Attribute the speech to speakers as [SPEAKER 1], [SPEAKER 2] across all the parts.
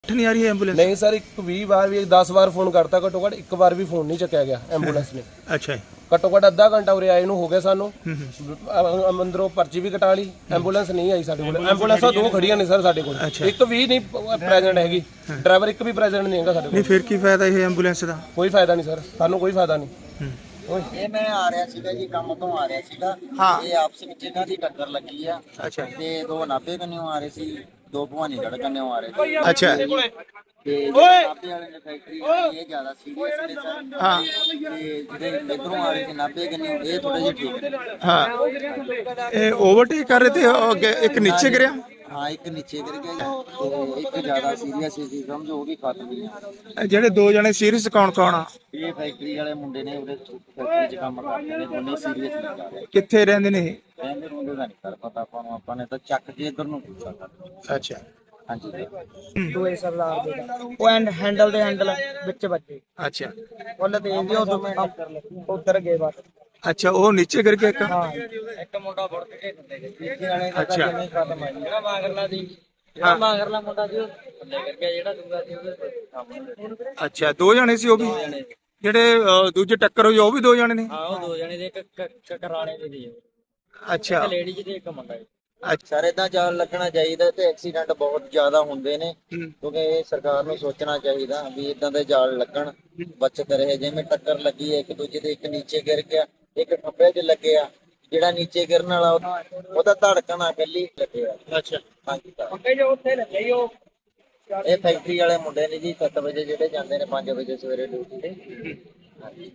[SPEAKER 1] ਉੱਠ ਨਹੀਂ ਆ ਰਹੀ ਹੈ ਐਂਬੂਲੈਂਸ?
[SPEAKER 2] नहीं सर, 20 बार भी 10 बार फोन करता, घट्टो घट एक बार भी फोन नहीं चुकया गया एंबूलेंस ने।
[SPEAKER 1] ਅੱਛਾ ਜੀ।
[SPEAKER 2] घट्टो घट अद्धा घंटा उरे आए हो गया सानू, अंदरों पर्ची भी कटा ली, एंबूलेंस नहीं आई साडे कोल। एंबूलेंसां 2 खड़ियां ने सर साडे कोल, एक तो भी नहीं प्रेजेंट हैगी, ड्राइवर एक भी प्रेजेंट नहीं हैगा साडे
[SPEAKER 1] ਨਹੀਂ
[SPEAKER 2] कोल।
[SPEAKER 1] ਫਿਰ ਕੀ ਫਾਇਦਾ ਇਹ ਐਂਬੂਲੈਂਸ ਦਾ?
[SPEAKER 2] कोई फायदा नहीं सर, सानू कोई फायदा नहीं।
[SPEAKER 3] ਇਹ ਮੈਂ ਆ ਰਿਹਾ ਸੀਗਾ ਜੀ, ਕੰਮ ਤੋਂ ਆ ਰਿਹਾ ਸੀਗਾ।
[SPEAKER 1] ਹਾਂ।
[SPEAKER 3] ਇਹ ਆਪਸ ਵਿੱਚ ਇਹਨਾਂ ਦੀ ਟੱਕਰ ਲੱਗੀ ਆ।
[SPEAKER 1] ਅੱਛਾ
[SPEAKER 3] ਤੇ 2 ਨਾਭੇ ਕੰਨਿਓ ਆ ਰਹੇ ਸੀ, 2 ਭਵਾਨੀਗੜ੍ਹ ਕੰਨਿਓ ਆ ਰਹੇ ਸੀ।
[SPEAKER 1] ਅੱਛਾ
[SPEAKER 3] ਤੇ ਜਿਹੜੇ ਨਾਭੇ ਵਾਲੇ ਨੇ ਫੈਕਟਰੀ ਇਹ ਜ਼ਿਆਦਾ ਸੀਰੀਅਸ ਨੇ ਸਰ।
[SPEAKER 1] ਹਾਂ
[SPEAKER 3] ਤੇ ਜਿਹੜੇ ਇੱਧਰੋਂ ਆ ਰਹੇ ਸੀ ਨਾਭੇ ਕੰਨਿਓ, ਇਹ ਥੋੜੇ ਜਿਹੇ ਠੀਕ ਨੇ।
[SPEAKER 1] ਹਾਂ। ਇਹ ਓਵਰਟੇਕ ਕਰ ਰਹੇ ਤੇ ਉਹ ਅੱਗੇ ਇੱਕ ਨੀਚੇ ਗਿਰਿਆ?
[SPEAKER 3] ਹਾਂ, ਇੱਕ ਨੀਚੇ ਗਿਰ ਗਿਆ ਜੀ, ਤੇ ਇੱਕ ਜ਼ਿਆਦਾ ਸੀਰੀਅਸ ਸੀ, ਸਮਝੋ ਉਹ ਵੀ ਖਤਮ ਹੀ ਆ।
[SPEAKER 1] ਇਹ ਜਿਹੜੇ 2 ਜਣੇ ਸੀਰੀਅਸ ਕੌਣ ਕੌਣ ਆ?
[SPEAKER 3] ਇਹ ਫੈਕਟਰੀ ਵਾਲੇ ਮੁੰਡੇ ਨੇ, ਉਹਦੇ ਫੈਕਟਰੀ 'ਚ ਕੰਮ ਕਰਦੇ ਨੇ, ਦੋਨੇ ਸੀਰੀਅਸ ਨਹੀਂ ਕਰ ਰਹੇ।
[SPEAKER 1] ਕਿੱਥੇ ਰਹਿੰਦੇ ਨੇ ਇਹ?
[SPEAKER 3] ਕਹਿੰਦੇ ਮੁੰਡੇ ਦਾ ਨਹੀਂ ਕਰ ਪਤਾ ਆਪਾਂ ਨੂੰ, ਆਪਾਂ ਨੇ ਤਾਂ ਚੱਕ ਕੇ ਇੱਧਰ ਨੂੰ ਪੁੱਛਿਆ ਕਰ।
[SPEAKER 1] ਅੱਛਾ।
[SPEAKER 3] ਹਾਂਜੀ
[SPEAKER 4] ਦੋਏ ਸਰਦਾਰ ਦੇ ਉਹ ਹੈਂਡਲ ਦੇ ਹੈਂਡਲ ਵਿੱਚ ਵੱਜੇ,
[SPEAKER 1] ਅੱਛਾ
[SPEAKER 4] ਉਹਨੇ ਤੇਜ਼ ਦੀ ਉਧਰ ਗਏ ਬਸ।
[SPEAKER 1] ਅੱਛਾ, ਉਹ ਨੀਚੇ ਗਿਰ ਗਿਆ ਇੱਕ?
[SPEAKER 4] ਹਾਂ, ਇੱਕ ਮੁੰਡਾ ਵੜ ਕੇ ਤੀਜੇ ਵਾਲੇ ਦਾ
[SPEAKER 1] ਅੱਛਾ।
[SPEAKER 4] ਜਿਵੇਂ ਖਤਮ ਆ ਜੀ। ਜਿਹੜਾ ਮਾਗਰਲਾ ਦੀ, ਜਿਹੜਾ ਮਾਗਰਲਾ ਮੁੰਡਾ ਸੀ ਉਹ ਥੱਲੇ ਗਿਰ ਗਿਆ, ਜਿਹੜਾ ਦੂਗਾ ਸੀ ਉਹਦੇ ਸਾਹਮਣੇ।
[SPEAKER 1] ਅੱਛਾ, 2 ਜਣੇ ਸੀ ਉਹ ਵੀ? ਜਿਹੜੇ ਦੂਜੇ ਟੱਕਰ ਹੋਈ ਉਹ ਵੀ 2 ਜਣੇ ਨੇ?
[SPEAKER 4] ਹਾਂ, ਉਹ 2 ਜਣੇ ਦੇ, ਇੱਕ ਕਰਾਣੇ ਦੇ ਸੀ,
[SPEAKER 1] ਅੱਛਾ
[SPEAKER 4] ਇੱਕ ਲੇਡੀ ਤੇ ਇੱਕ ਮੁੰਡਾ ਜੀ।
[SPEAKER 1] ਅੱਛਾ।
[SPEAKER 3] ਸਰ ਏਦਾਂ ਜਾਲ ਲੱਗਣਾ ਚਾਹੀਦਾ, ਤੇ ਐਕਸੀਡੈਂਟ ਬਹੁਤ ਜ਼ਿਆਦਾ ਹੁੰਦੇ ਨੇ, ਕਿਉਂਕਿ ਇਹ ਸਰਕਾਰ ਨੂੰ ਸੋਚਣਾ ਚਾਹੀਦਾ ਵੀ ਇਦਾਂ ਦੇ ਜਾਲ ਲੱਗਣ, ਬਚਤ ਰਹੇ। ਜਿਵੇਂ ਟੱਕਰ ਲੱਗੀ ਹੈ ਇੱਕ ਦੂਜੇ ਦੇ, ਇੱਕ ਨੀਚੇ ਗਿਰ ਗਿਆ, ਇੱਕ ਖੱਬੇ 'ਚ ਲੱਗਿਆ, ਜਿਹੜਾ ਨੀਚੇ ਗਿਰਨ ਵਾਲਾ ਉਹਦਾ ਧੜਕਣ ਆ ਗੱਲੀ ਲੱਗਿਆ।
[SPEAKER 1] ਅੱਛਾ।
[SPEAKER 3] ਹਾਂਜੀ ਸਰ,
[SPEAKER 4] ਮੁੰਡੇ ਜੋ ਉੱਥੇ ਲੱਗੇ ਜੀ, ਉਹ
[SPEAKER 3] ਇਹ ਫੈਕਟਰੀ ਵਾਲੇ ਮੁੰਡੇ ਨੇ ਜੀ, 7 ਵਜੇ ਜਿਹੜੇ ਜਾਂਦੇ ਨੇ 5 ਵਜੇ ਸਵੇਰੇ ਡਿਊਟੀ ਤੇ। ਹਾਂਜੀ।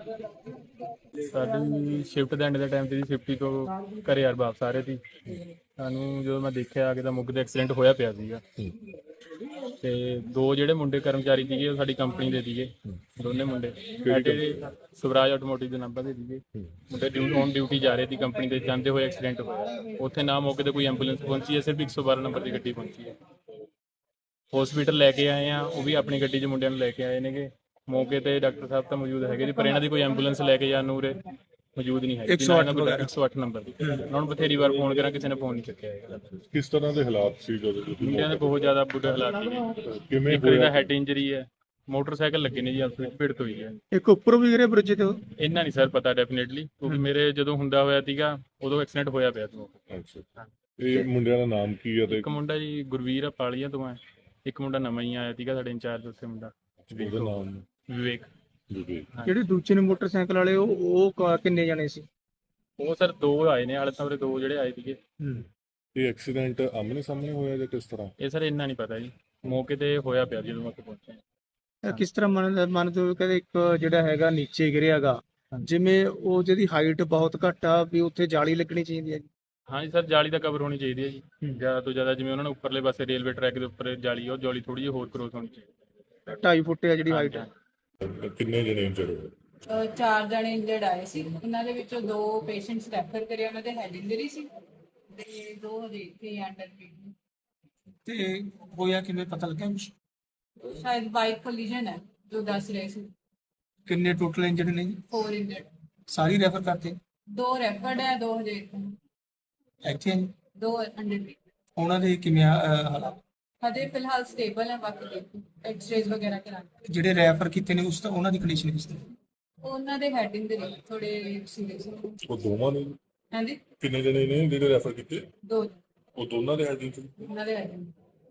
[SPEAKER 5] ਸਾਡੀ ਸ਼ਿਫਟ ਦੇ ਐਂਡ ਦੇ ਟਾਈਮ ਤੇ ਜੀ 50 ਤੋਂ ਘਰੇ ਯਾਰ ਵਾਪਸ ਆ ਰਹੇ ਸੀ। ਸਾਨੂੰ ਜਦੋਂ ਮੈਂ ਦੇਖਿਆ ਆ ਕੇ ਤਾਂ ਮੁੱਗ ਦੇ ਐਕਸੀਡੈਂਟ ਹੋਇਆ ਪਿਆ ਸੀਗਾ, ਤੇ 2 ਜਿਹੜੇ ਮੁੰਡੇ ਕਰਮਚਾਰੀ ਸੀਗੇ ਉਹ ਸਾਡੀ ਕੰਪਨੀ ਦੇ ਸੀਗੇ, ਦੋਨੇ ਮੁੰਡੇ ਸਾਡੇ ਸਵਰਾਜ ਆਟੋਮੋਟਿਵ ਦੇ ਨੰਬਰ ਦੇ ਸੀਗੇ। ਮੁੰਡੇ ਔਨ ਡਿਊਟੀ ਜਾ ਰਹੇ ਸੀ ਕੰਪਨੀ ਦੇ, ਜਾਂਦੇ ਹੋਏ ਐਕਸੀਡੈਂਟ ਹੋਇਆ। ਉੱਥੇ ਨਾ ਮੌਕੇ ਤੇ ਕੋਈ ਐਂਬੂਲੈਂਸ ਪਹੁੰਚੀ ਹੈ, ਸਿਰਫ 112 ਨੰਬਰ ਦੀ ਗੱਡੀ ਪਹੁੰਚੀ ਹੈ। ਹਸਪੀਟਲ ਲੈ ਕੇ ਆਏ ਆ, ਉਹ ਵੀ ਆਪਣੀ ਗੱਡੀ 'ਚ ਮੁੰਡਿਆਂ ਨੂੰ ਲੈ ਕੇ ਆਏ ਨੇਗੇ। ਮੌਕੇ ਤੇ ਡਾਕਟਰ ਸਾਹਿਬ ਤਾਂ ਮੌਜੂਦ ਹੈਗੇ ਜੀ, ਪਰ ਇਹਨਾਂ ਦੀ ਕੋਈ ਐਂਬੂਲੈਂਸ ਲੈ ਕੇ ਜਾਣ ਨੂੰ ਉਰੇ ਮੌਜੂਦ ਨਹੀਂ ਹੈਗੀ। 108 ਨੰਬਰ ਦੀ ਉਹਨਾਂ ਨੂੰ ਬਥੇਰੀ ਵਾਰ ਫੋਨ ਕਰਾਂ, ਕਿਸੇ ਨੇ ਫੋਨ ਨਹੀਂ ਚੱਕਿਆ ਹੈਗਾ।
[SPEAKER 6] ਕਿਸ ਤਰ੍ਹਾਂ ਦੇ ਹਾਲਾਤ ਸੀ ਜਦੋਂ ਤੁਸੀਂ
[SPEAKER 5] ਮੁੰਡਿਆਂ ਦੇ ਬਹੁਤ ਜ਼ਿਆਦਾ ਬੁਰੇ ਹਾਲਾਤ ਸੀਗੇ।
[SPEAKER 6] ਕਿਵੇਂ
[SPEAKER 5] ਇੱਕ ਦਾ ਹੈਡ ਇੰਜਰੀ ਹੈ, ਮੋਟਰਸਾਈਕਲ ਲੱਗੇ ਨੇ ਜੀ, ਆਪਸ ਵਿੱਚ ਭਿੜਤ ਹੋਈ ਹੈ।
[SPEAKER 1] ਇੱਕ ਉੱਪਰੋਂ ਵੀ ਗਿਰੇ ਬ੍ਰਿਜ ਤੇ?
[SPEAKER 5] ਇੰਨਾ ਨਹੀਂ ਸਰ ਪਤਾ ਡੈਫੀਨੇਟਲੀ, ਕਿਉਂਕਿ ਮੇਰੇ ਜਦੋਂ ਹੁੰਦਾ ਹੋਇਆ ਸੀਗਾ ਉਦੋਂ ਐਕਸੀਡੈਂਟ ਹੋਇਆ ਪਿਆ ਸੀ।
[SPEAKER 6] ਅੱਛਾ, ਇਹ ਮੁੰਡਿਆਂ ਦਾ ਨਾਮ ਕੀ ਹੈ ਤੇ
[SPEAKER 5] ਇੱਕ ਮੁੰਡਾ ਜੀ ਗੁਰਵੀਰ ਆ ਪਾਲੀਆਂ ਤੋਂ ਹੈ, ਇੱਕ ਮੁੰਡਾ ਨਵਾਂ ਹੀ ਆਇਆ ਸੀਗਾ ਸਾਡੇ ਇੰਚਾਰਜ ਉੱਥੇ ਮੁੰਡਾ
[SPEAKER 6] ਉਹਦਾ ਨਾਮ
[SPEAKER 5] ਵਿਵੇਕ।
[SPEAKER 6] ਜੀ?
[SPEAKER 1] ਜਿਹੜੇ ਦੂਜੇ ਨੇ ਮੋਟਰਸਾਈਕਲ ਵਾਲੇ ਉਹ ਕਿੰਨੇ ਜਣੇ ਸੀ?
[SPEAKER 5] ਉਹ ਸਰ 2 ਆਏ ਨੇ, ਹਾਲੇ ਤਾਂ ਉਰੇ 2 ਜਿਹੜੇ ਆਏ ਸੀਗੇ।
[SPEAKER 6] ਇਹ ਐਕਸੀਡੈਂਟ ਆਮਨੇ ਸਾਹਮਣੇ ਹੋਇਆ ਜਾਂ ਕਿਸ ਤਰ੍ਹਾਂ?
[SPEAKER 5] ਇਹ ਸਰ ਇੰਨਾ ਨਹੀਂ ਪਤਾ ਜੀ, ਮੌਕੇ ਤੇ ਹੋਇਆ ਪਿਆ ਜਦੋਂ ਉੱਥੇ ਪਹੁੰਚੇ।
[SPEAKER 1] ਕਿਸ ਤਰ੍ਹਾਂ ਮੰਨਦੇ ਹੋ ਕਿ ਇੱਕ ਜਿਹੜਾ ਹੈਗਾ ਨੀਚੇ ਗਿਰਿਆਗਾ, ਜਿਵੇਂ ਉਹ ਜਿਹਦੀ ਹਾਈਟ ਬਹੁਤ ਘੱਟ ਆ, ਵੀ ਉੱਥੇ ਜਾਲੀ ਲੱਗਣੀ ਚਾਹੀਦੀ ਹੈ ਜੀ?
[SPEAKER 5] ਹਾਂਜੀ ਸਰ, ਜਾਲੀ ਦਾ ਕਵਰ ਹੋਣੀ ਚਾਹੀਦੀ ਹੈ ਜੀ, ਜ਼ਿਆਦਾ ਤੋਂ ਜ਼ਿਆਦਾ। ਜਿਵੇਂ ਉਹਨਾਂ ਨੇ ਉੱਪਰਲੇ ਪਾਸੇ ਰੇਲਵੇ ਟਰੈਕ ਦੇ ਉੱਪਰ ਜਾਲੀ, ਉਹ ਜਾਲੀ ਥੋੜੀ ਜਿਹੀ ਹੋਰ ਕਰੋਸ ਹੋਣੀ ਚਾਹੀਦੀ।
[SPEAKER 1] 2.5 ਫੁੱਟ ਆ ਜਿਹੜੀ ਹਾਈਟ ਹੈ।
[SPEAKER 6] ਕਿੰਨੇ ਜਣੇ ਇੰਜਰਡ ਹੋਏ?
[SPEAKER 7] 4 ਜਣੇ ਇੰਜਰਡ ਆਏ ਸੀ, ਉਹਨਾਂ ਦੇ ਵਿੱਚੋਂ 2 ਪੇਸ਼ੈਂਟਸ ਰੈਫਰ ਕਰੇ, ਉਹਨਾਂ ਦੇ ਹੈਡ ਇੰਜਰੀ ਸੀ, ਤੇ 2 ਹਜੇ ਇੱਥੇ ਅੰਡਰ ਟ੍ਰੀਟਮੈਂਟ।
[SPEAKER 1] ਤੇ ਹੋਇਆ ਕਿਵੇਂ ਪਤਾ ਲੱਗਿਆ ਕੁਛ?
[SPEAKER 7] ਸ਼ਾਇਦ ਬਾਈਕ ਕੋਲੀਜਨ ਹੈ ਜੋ ਦੱਸ ਰਹੇ ਸੀ।
[SPEAKER 1] ਕਿੰਨੇ ਟੋਟਲ ਇੰਜਰਡ ਨੇ ਜੀ?
[SPEAKER 7] 4 ਇੰਜਰਡ,
[SPEAKER 1] ਸਾਰੀ ਰੈਫਰ ਕਰਤੇ?
[SPEAKER 7] 2 ਰੈਫਰਡ ਹੈ, 2 ਹਜੇ
[SPEAKER 1] ਇੱਥੇ ਆ ਜੀ?
[SPEAKER 7] 2 ਅੰਡਰ ਟ੍ਰੀਟਮੈਂਟ।
[SPEAKER 1] ਉਹਨਾਂ ਦੇ ਕਿਵੇਂ ਹਾਲਾਤ?
[SPEAKER 7] ਹਜੇ ਫਿਲਹਾਲ ਸਟੇਬਲ ਹੈ, ਬਾਕੀ ਦੇਖੋ ਐਕਸ-ਰੇਜ਼ ਵਗੈਰਾ ਕਰਾਂਗੇ।
[SPEAKER 1] ਜਿਹੜੇ ਰੈਫਰ ਕੀਤੇ ਨੇ ਉਹਨਾਂ ਦੀ ਕੰਡੀਸ਼ਨ ਕਿਸ ਤਰ੍ਹਾਂ?
[SPEAKER 7] ਉਹਨਾਂ ਦੇ ਹੈਡ ਇੰਜਰੀ ਥੋੜੇ ਸੀਰੀਅਸ ਹੈ।
[SPEAKER 6] ਉਹ ਦੋਵਾਂ ਨੇ?
[SPEAKER 7] ਹਾਂਜੀ,
[SPEAKER 6] ਕਿੰਨੇ ਜਣੇ ਨੇ ਜਿਹੜੇ ਰੈਫਰ ਕੀਤੇ?
[SPEAKER 7] 2
[SPEAKER 6] ਉਹ ਦੋਨਾਂ ਦੇ ਹੈਡ ਇੰਜਰੀ?
[SPEAKER 7] ਉਹਨਾਂ ਦੇ ਹੈਡ ਇੰਜਰੀ।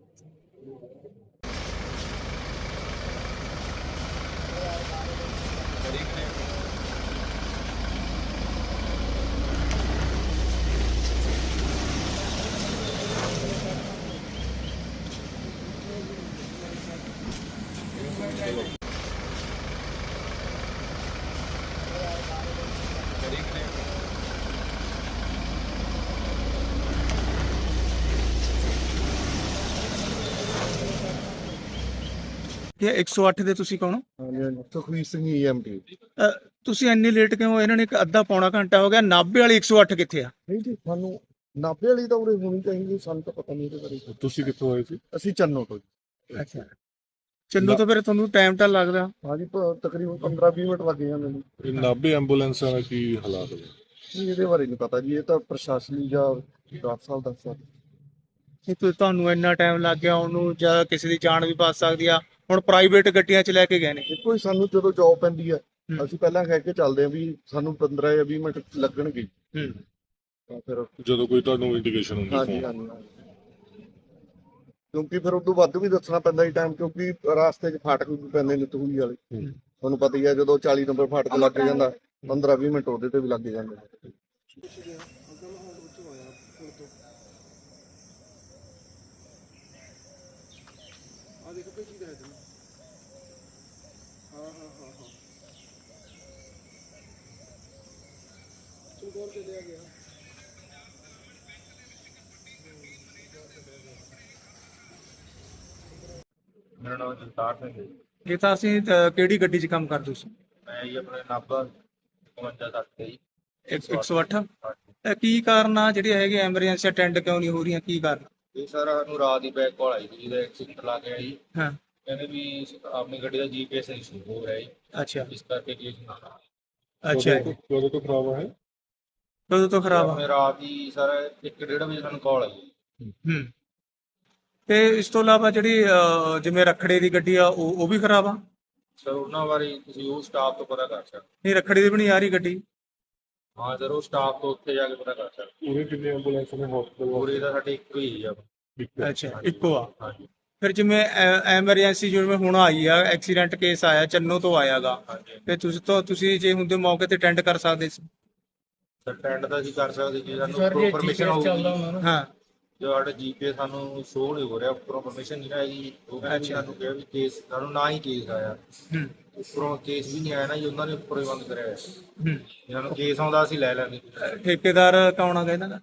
[SPEAKER 1] ਕਿ 108 ਦੇ ਤੁਸੀਂ ਕੌਣ?
[SPEAKER 8] ਸੁਖਵੀਰ ਸਿੰਘ EMT।
[SPEAKER 1] ਤੁਸੀਂ ਇੰਨੀ ਲੇਟ ਕਿਉਂ? ਇਹਨਾਂ ਨੇ ਅੱਧਾ ਪੌਣਾ ਘੰਟਾ ਹੋ ਗਿਆ। ਨਾਭੇ ਵਾਲੀ 108 ਕਿੱਥੇ ਆ?
[SPEAKER 8] ਨਹੀਂ ਜੀ, ਸਾਨੂੰ ਨਾਭੇ ਵਾਲੀ ਤਾਂ ਉਰੇ ਹੋਣੀ ਚਾਹੀਦੀ, ਸਾਨੂੰ ਤਾਂ ਪਤਾ ਨਹੀਂ ਇਹਦੇ ਬਾਰੇ।
[SPEAKER 6] ਤੁਸੀਂ ਕਿੱਥੋਂ ਆਏ ਸੀ?
[SPEAKER 8] ਅਸੀਂ ਚੰਨੋ ਤੋਂ ਜੀ।
[SPEAKER 1] ਅੱਛਾ, ਚੰਨੂ ਤੋਂ ਫਿਰ ਤੁਹਾਨੂੰ ਟਾਈਮ ਤਾਂ ਲੱਗਦਾ?
[SPEAKER 8] ਹਾਂਜੀ, ਤਕਰੀਬਨ 15-20 ਮਿੰਟ ਲੱਗ ਜਾਂਦੇ ਨੇ।
[SPEAKER 6] ਇਹ ਨਾਭੇ ਐਂਬੂਲੈਂਸਾਂ ਦਾ ਕੀ ਹਾਲਾਤ ਨੇ?
[SPEAKER 8] ਇਹਦੇ ਬਾਰੇ ਨਹੀਂ ਪਤਾ ਜੀ, ਇਹ ਤਾਂ ਪ੍ਰਸ਼ਾਸਨੀ ਜਾਂ ਡਾਕਟਰ ਸਾਹਿਬ ਦੱਸ ਸਕਦੇ।
[SPEAKER 1] ਇਹ ਤੁਹਾਨੂੰ ਇੰਨਾ ਟਾਈਮ ਲੱਗ ਗਿਆ ਉਹਨੂੰ, ਜਾਂ ਕਿਸੇ ਦੀ ਜਾਨ ਵੀ ਬਚ ਸਕਦੀ ਆ। ਹੁਣ ਪ੍ਰਾਈਵੇਟ ਗੱਡੀਆਂ 'ਚ ਲੈ ਕੇ ਗਏ ਨੇ।
[SPEAKER 8] ਦੇਖੋ ਜੀ, ਸਾਨੂੰ ਜਦੋਂ ਜੌਬ ਪੈਂਦੀ ਹੈ ਅਸੀਂ ਪਹਿਲਾਂ ਕਹਿ ਕੇ ਚੱਲਦੇ ਹਾਂ ਵੀ ਸਾਨੂੰ 15 ਜਾਂ 20 ਮਿੰਟ ਲੱਗਣਗੇ, ਤਾਂ ਫਿਰ
[SPEAKER 6] ਜਦੋਂ ਕੋਈ ਤੁਹਾਨੂੰ ਇੰਡੀਕੇਸ਼ਨ ਹੁੰਦੀ
[SPEAKER 8] ਹਾਂਜੀ
[SPEAKER 6] phone?
[SPEAKER 8] ਹਾਂਜੀ, ਕਿਉਂਕਿ ਫਿਰ ਉਦੋਂ ਵੱਧ ਵੀ ਦੱਸਣਾ ਪੈਂਦਾ ਜੀ ਟਾਈਮ, ਕਿਉਂਕਿ ਰਾਸਤੇ 'ਚ ਫਾਟਕ ਵੀ ਪੈਂਦੇ ਨੇ ਤੂੜੀ ਵਾਲੇ। ਤੁਹਾਨੂੰ ਪਤਾ ਹੀ ਹੈ, ਜਦੋਂ 40 ਨੰਬਰ ਫਾਟਕ ਲੱਗ ਜਾਂਦਾ 15-20 ਮਿੰਟ ਉਹਦੇ ਤੇ ਵੀ ਲੱਗ ਜਾਂਦੇ ਨੇ।
[SPEAKER 5] ਮੇਰਾ ਨਾਮ ਜਗਤਾਰ ਸਿੰਘ ਹੈ।
[SPEAKER 1] ਇਹ ਤਾਂ ਅਸੀਂ ਕਿਹੜੀ ਗੱਡੀ 'ਚ ਕੰਮ ਕਰਦੇ ਸੀ?
[SPEAKER 5] ਮੈਂ ਜੀ ਆਪਣੇ ਨਾਭਾ 55 ਤੇ ਜੀ
[SPEAKER 1] 108। ਕੀ ਕਾਰਨ ਆ ਜਿਹੜੀ ਹੈਗੀ ਐਮਰਜੈਂਸੀ ਅਟੈਂਡ ਕਿਉਂ ਨਹੀਂ ਹੋ ਰਹੀਆਂ, ਕੀ ਕਾਰਨ?
[SPEAKER 5] ਇਹ ਸਾਰਾ ਸਾਨੂੰ ਰਾਤ ਦੀ ਬੈਕ ਕਾਲ ਆਈ ਸੀ ਜਿਹਦਾ ਐਕਸੀਡੈਂਟ ਲੱਗ ਗਿਆ ਜੀ।
[SPEAKER 1] ਹਾਂ,
[SPEAKER 5] ਕਹਿੰਦੇ ਵੀ ਆਪਣੀ ਗੱਡੀ ਦਾ GPS ਇਸ਼ੂ ਹੋ ਰਿਹਾ ਜੀ,
[SPEAKER 1] ਅੱਛਾ
[SPEAKER 5] ਇਸ ਕਰਕੇ ਕੇਸ ਨਾ
[SPEAKER 1] ਅੱਛਾ।
[SPEAKER 6] ਕਦੋਂ ਤੋਂ ਖਰਾਬ ਹੈ?
[SPEAKER 1] ਕਦੋਂ ਤੋਂ ਖਰਾਬ ਆ?
[SPEAKER 5] ਆਪਣੇ ਰਾਤ ਦੀ ਸਰ 1-1:30 ਵਜੇ ਸਾਨੂੰ ਕਾਲ ਆਈ।
[SPEAKER 1] ਤੇ ਇਸ ਤੋਂ ਇਲਾਵਾ ਜਿਹੜੀ ਜਿਵੇਂ ਰੱਖੜੇ ਦੀ ਗੱਡੀ ਆ ਉਹ ਵੀ ਖਰਾਬ ਆ?
[SPEAKER 5] ਸਰ ਉਹਨਾਂ ਬਾਰੇ ਤੁਸੀਂ ਉਹ ਸਟਾਫ ਤੋਂ ਪਤਾ ਕਰ ਸਕਦੇ।
[SPEAKER 1] ਨਹੀਂ, ਰੱਖੜੀ ਦੀ ਵੀ ਨਹੀਂ ਆ ਰਹੀ ਗੱਡੀ।
[SPEAKER 5] ਹਾਂ ਸਰ, ਉਹ ਸਟਾਫ ਤੋਂ ਉੱਥੇ ਜਾ ਕੇ ਪਤਾ ਕਰ ਸਕਦੇ।
[SPEAKER 6] ਪੂਰੇ ਕਿੰਨੇ ਐਂਬੂਲੈਂਸ ਨੇ ਹਸਪਤਾਲ?
[SPEAKER 5] ਪੂਰੇ ਦਾ ਸਾਡੇ ਇੱਕੋ ਹੀ ਆ।
[SPEAKER 1] ਅੱਛਾ, ਇੱਕੋ ਆ।
[SPEAKER 5] ਹਾਂਜੀ
[SPEAKER 1] ਫਿਰ ਜਿਵੇਂ ਐਮਰਜੈਂਸੀ ਜਿਵੇਂ ਹੁਣ ਆਈ ਆ, ਐਕਸੀਡੈਂਟ ਕੇਸ ਆਇਆ ਚੰਨੋ ਤੋਂ ਆਇਆਗਾ,
[SPEAKER 5] ਹਾਂਜੀ
[SPEAKER 1] ਤੇ ਤੁਸੀਂ ਜੇ ਹੁੰਦੇ ਮੌਕੇ ਤੇ ਅਟੈਂਡ ਕਰ ਸਕਦੇ ਸੀ।
[SPEAKER 5] ਸਰ ਟੈਂਡ ਦਾ ਅਸੀਂ ਕਰ ਸਕਦੇ ਜੀ, ਸਾਨੂੰ ਪਰਮਿਸ਼ਨ ਹੋਊਗੀ।
[SPEAKER 1] ਹਾਂ,
[SPEAKER 5] ਜੋ ਸਾਡਾ GPS ਸਾਨੂੰ ਸ਼ੋਅ ਨਹੀਂ ਹੋ ਰਿਹਾ, ਉੱਪਰੋਂ ਪਰਮਿਸ਼ਨ ਨਹੀਂ ਆਈ। ਉਹ ਕਹਿੰਦੇ ਵੀ ਸਾਨੂੰ ਕਿਹਾ ਵੀ ਕੇਸ ਸਾਨੂੰ ਨਾ ਹੀ ਕੇਸ ਆਇਆ, ਉੱਪਰੋਂ ਕੇਸ ਵੀ ਨਹੀਂ ਆਇਆ ਨਾ ਜੀ, ਉਹਨਾਂ ਨੇ ਉੱਪਰੋਂ ਹੀ ਬੰਦ ਕਰਿਆ ਹੋਇਆ। ਇਹਨਾਂ ਨੂੰ ਕੇਸ ਆਉਂਦਾ ਅਸੀਂ ਲੈ ਲੈਂਦੇ।
[SPEAKER 1] ਠੇਕੇਦਾਰ ਕੌਣ ਆ ਇਹਨਾਂ ਦਾ?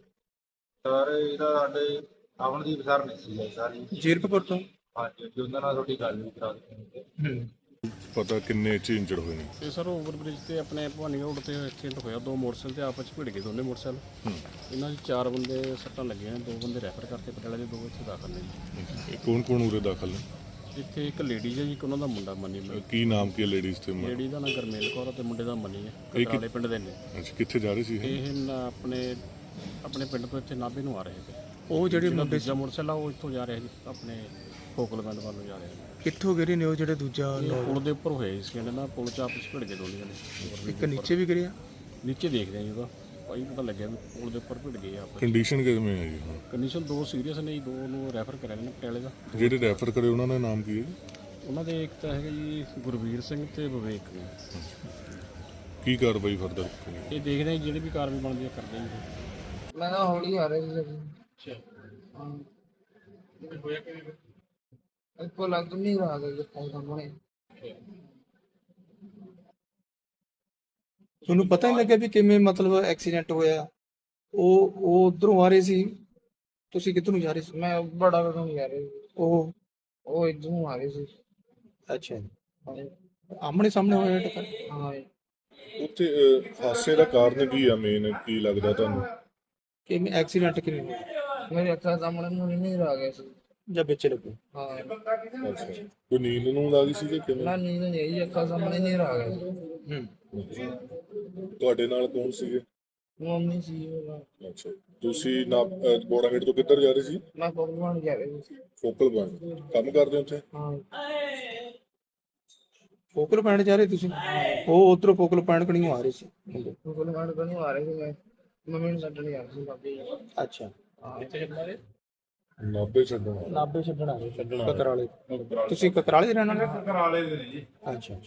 [SPEAKER 5] ਸਰ ਇਹਦਾ ਸਾਡੇ ਅਮਨਦੀਪ ਸਰ ਨਹੀਂ ਸੀ ਸਾਰੀ।
[SPEAKER 1] ਜੀਰਕਪੁਰ ਤੋਂ?
[SPEAKER 5] ਹਾਂਜੀ, ਜੀ ਉਹਨਾਂ ਨਾਲ ਤੁਹਾਡੀ ਗੱਲ ਵੀ ਕਰਾ ਦਿੱਤੀ।
[SPEAKER 6] ਪਤਾ ਕਿੰਨੇ ਚ ਇੰਜਰਡ ਹੋਏ ਨੇ?
[SPEAKER 9] ਇਹ ਸਰ ਓਵਰਬ੍ਰਿਜ ਤੇ ਆਪਣੇ ਭਵਾਨੀ ਰੋਡ ਤੇ ਐਕਸੀਡੈਂਟ ਹੋਇਆ। ਦੋ ਮੋਟਰਸਾਈਕਲ ਤੇ ਆਪਸ ਵਿੱਚ ਭਿੜ ਗਏ, ਦੋਨੇ ਮੋਟਰਸਾਈਕਲ। ਇਹਨਾਂ 'ਚ 4 ਬੰਦੇ ਸੱਟਾਂ ਲੱਗੀਆਂ ਨੇ, 2 ਬੰਦੇ ਰੈਫਰ ਕਰਤੇ ਪਟਿਆਲੇ ਦੇ, 2 ਇੱਥੇ ਦਾਖਲ ਨੇ ਜੀ।
[SPEAKER 6] ਇਹ ਕੌਣ ਕੌਣ ਉਰੇ ਦਾਖਲ ਨੇ?
[SPEAKER 9] ਇੱਥੇ ਇੱਕ ਲੇਡੀ ਹੈ ਜੀ, ਇੱਕ ਉਹਨਾਂ ਦਾ ਮੁੰਡਾ ਮਨੀ।
[SPEAKER 6] ਕੀ ਨਾਮ ਕੀ ਲੇਡੀਜ਼ ਤੇ?
[SPEAKER 9] ਲੇਡੀ ਦਾ ਨਾਂ ਗਰਮੇਲ ਕੌਰ ਤੇ ਮੁੰਡੇ ਦਾ ਮਨੀ ਹੈ,
[SPEAKER 6] ਇਹ
[SPEAKER 9] ਕਟਰਾਲੇ ਪਿੰਡ ਦੇ ਨੇ।
[SPEAKER 6] ਅੱਛਾ, ਕਿੱਥੇ ਜਾ ਰਹੇ ਸੀ ਇਹ?
[SPEAKER 9] ਇਹ ਆਪਣੇ ਪਿੰਡ ਤੋਂ ਇੱਥੇ ਨਾਭੇ ਨੂੰ ਆ ਰਹੇ ਸੀ।
[SPEAKER 1] ਉਹ ਜਿਹੜੇ ਮੁੰਡੇ
[SPEAKER 9] ਦੂਜਾ ਮੋਟਰਸਾਈਕਲ ਆ ਉਹ ਇੱਥੋਂ ਜਾ ਰਿਹਾ ਜੀ, ਆਪਣੇ ਫੋਕਲਮੈਂਟ ਵੱਲ ਨੂੰ ਜਾ ਰਿਹਾ।
[SPEAKER 1] ਕਿੱਥੋਂ ਗਿਰੇ ਨੇ ਉਹ ਜਿਹੜੇ ਦੂਜਾ?
[SPEAKER 9] ਪੁਲ ਦੇ ਉੱਪਰ ਹੋਏ ਸੀ ਕਹਿੰਦੇ ਨਾ, ਪੁਲ 'ਚ ਆਪਸ ਭਿੜ ਗਏ ਦੋਨੇ ਜਣੇ।
[SPEAKER 1] ਇੱਕ ਨੀਚੇ ਵੀ ਗਿਰਿਆ?
[SPEAKER 9] ਨੀਚੇ ਦੇਖਦੇ ਆ ਜੀ, ਉਹਦਾ ਭਾਈ ਪਤਾ ਲੱਗਿਆ ਵੀ ਪੁਲ ਦੇ ਉੱਪਰ ਭਿੜ ਗਏ ਆਪਸ।
[SPEAKER 6] ਕੰਡੀਸ਼ਨ ਕਿਵੇਂ ਹੈ ਜੀ ਹੁਣ?
[SPEAKER 9] ਕੰਡੀਸ਼ਨ 2 ਸੀਰੀਅਸ ਨੇ ਜੀ, 2 ਨੂੰ ਰੈਫਰ ਕਰਿਆ ਨੇ ਪਟਿਆਲੇ ਦਾ।
[SPEAKER 6] ਜਿਹੜੇ ਰੈਫਰ ਕਰੇ ਉਹਨਾਂ ਦਾ ਨਾਮ ਕੀ ਹੈ?
[SPEAKER 9] ਉਹਨਾਂ ਦੇ ਇੱਕ ਤਾਂ ਹੈਗਾ ਜੀ ਗੁਰਵੀਰ ਸਿੰਘ ਤੇ ਵਿਵੇਕ ਨੇ।
[SPEAKER 6] ਕੀ ਕਾਰਵਾਈ ਫਰਦਰ?
[SPEAKER 9] ਇਹ ਦੇਖਦੇ ਆ ਜਿਹੜੀ ਵੀ ਕਾਰਵਾਈ ਬਣਦੀ ਆ ਕਰਦੇ ਜੀ।
[SPEAKER 4] ਮੈਂ ਤਾਂ ਹੌਲੀ ਆ ਰਿਹਾ ਸੀ। ਇੱਕੋ ਲੱਗ ਨਹੀਂ ਰਹਾ ਕਿ ਸਾਹਮਣੇ।
[SPEAKER 1] ਤੁਹਾਨੂੰ ਪਤਾ ਨਹੀਂ ਲੱਗਿਆ ਵੀ ਕਿਵੇਂ ਮਤਲਬ ਐਕਸੀਡੈਂਟ ਹੋਇਆ? ਉਹ ਉਧਰੋਂ ਆ ਰਹੇ ਸੀ, ਤੁਸੀਂ ਕਿੱਧਰ ਨੂੰ ਜਾ ਰਹੇ ਸੀ?
[SPEAKER 4] ਮੈਂ ਬੜਾ ਕਦਮ ਜਾ ਰਿਹਾ ਸੀ, ਉਹ ਇੱਧਰ ਨੂੰ ਆ ਰਹੇ ਸੀ।
[SPEAKER 1] ਅੱਛਾ, ਆਮਣੇ ਸਾਹਮਣੇ ਹੋਇਆ ਟੱਕਰ?
[SPEAKER 4] ਹਾਂ,
[SPEAKER 6] ਉੱਥੇ ਹਾਦਸੇ ਦਾ ਕਾਰਨ ਕੀ ਆ ਮੇਨ? ਕੀ ਲੱਗਦਾ ਤੁਹਾਨੂੰ?
[SPEAKER 1] ਕਿਵੇਂ ਐਕਸੀਡੈਂਟ ਕਿਵੇਂ ਹੋਇਆ?
[SPEAKER 4] ਮੇਰੇ ਅੱਖਾਂ ਸਾਹਮਣੇ ਨੂੰ ਨਹੀਂ ਰਹਾ ਗਿਆ ਸੀ।
[SPEAKER 1] ਜਾਂ ਵਿੱਚ ਲੱਗੋ?
[SPEAKER 4] ਹਾਂ,
[SPEAKER 6] ਅੱਛਾ, ਕੋਈ ਨੀਂਦ ਨੂੰ ਲੱਗੀ ਸੀ ਕਿ ਕਿਵੇਂ?
[SPEAKER 4] ਨਾ ਨੀਂਦ ਨਹੀਂ ਆਈ, ਅੱਖਾਂ ਸਾਹਮਣੇ ਨਹੀਂ ਰਹਾ ਗਿਆ ਸੀ।
[SPEAKER 6] ਤੁਹਾਡੇ ਨਾਲ ਕੌਣ ਸੀਗੇ?
[SPEAKER 4] ਮੰਮੀ ਸੀ ਉਹ।
[SPEAKER 6] ਅੱਛਾ, ਤੁਸੀਂ ਨਾ ਬੋੜਾਗੇਟ ਤੋਂ ਕਿੱਧਰ ਜਾ ਰਹੇ ਸੀ?
[SPEAKER 4] ਮੈਂ ਪਕਵਾਨ ਜਾ ਰਿਹਾ ਸੀ।
[SPEAKER 6] ਫੋਕਲ ਪੁਆਇੰਟ ਕੰਮ ਕਰਦੇ ਉੱਥੇ?
[SPEAKER 4] ਹਾਂ,
[SPEAKER 1] ਫੋਕਲ ਪੁਆਇੰਟ ਜਾ ਰਹੇ ਤੁਸੀਂ? ਉਹ ਉਧਰੋਂ ਫੋਕਲ ਪੁਆਇੰਟ ਕਣੀਓ ਆ ਰਹੇ ਸੀ?
[SPEAKER 4] ਪਕਵਾਨ ਕਨੂੰ ਆ ਰਹੇ ਸੀ। ਮੈਂ ਮੰਮੀ ਨੂੰ ਛੱਡਣ ਜਾ ਰਿਹਾ ਸੀ ਬਾਬੇ।
[SPEAKER 1] ਅੱਛਾ,
[SPEAKER 6] ਨਾਭੇ ਛੱਡਣਾ?
[SPEAKER 1] ਨਾਭੇ ਛੱਡਣ ਆ ਰਹੇ? ਕਕਰਾਲੇ? ਤੁਸੀਂ ਕਕਰਾਲੇ ਦੇ ਰਹਿਣ ਵਾਲੇ?
[SPEAKER 5] ਕਰਾਲੇ ਦੇ ਨੇ ਜੀ।
[SPEAKER 1] ਅੱਛਾ।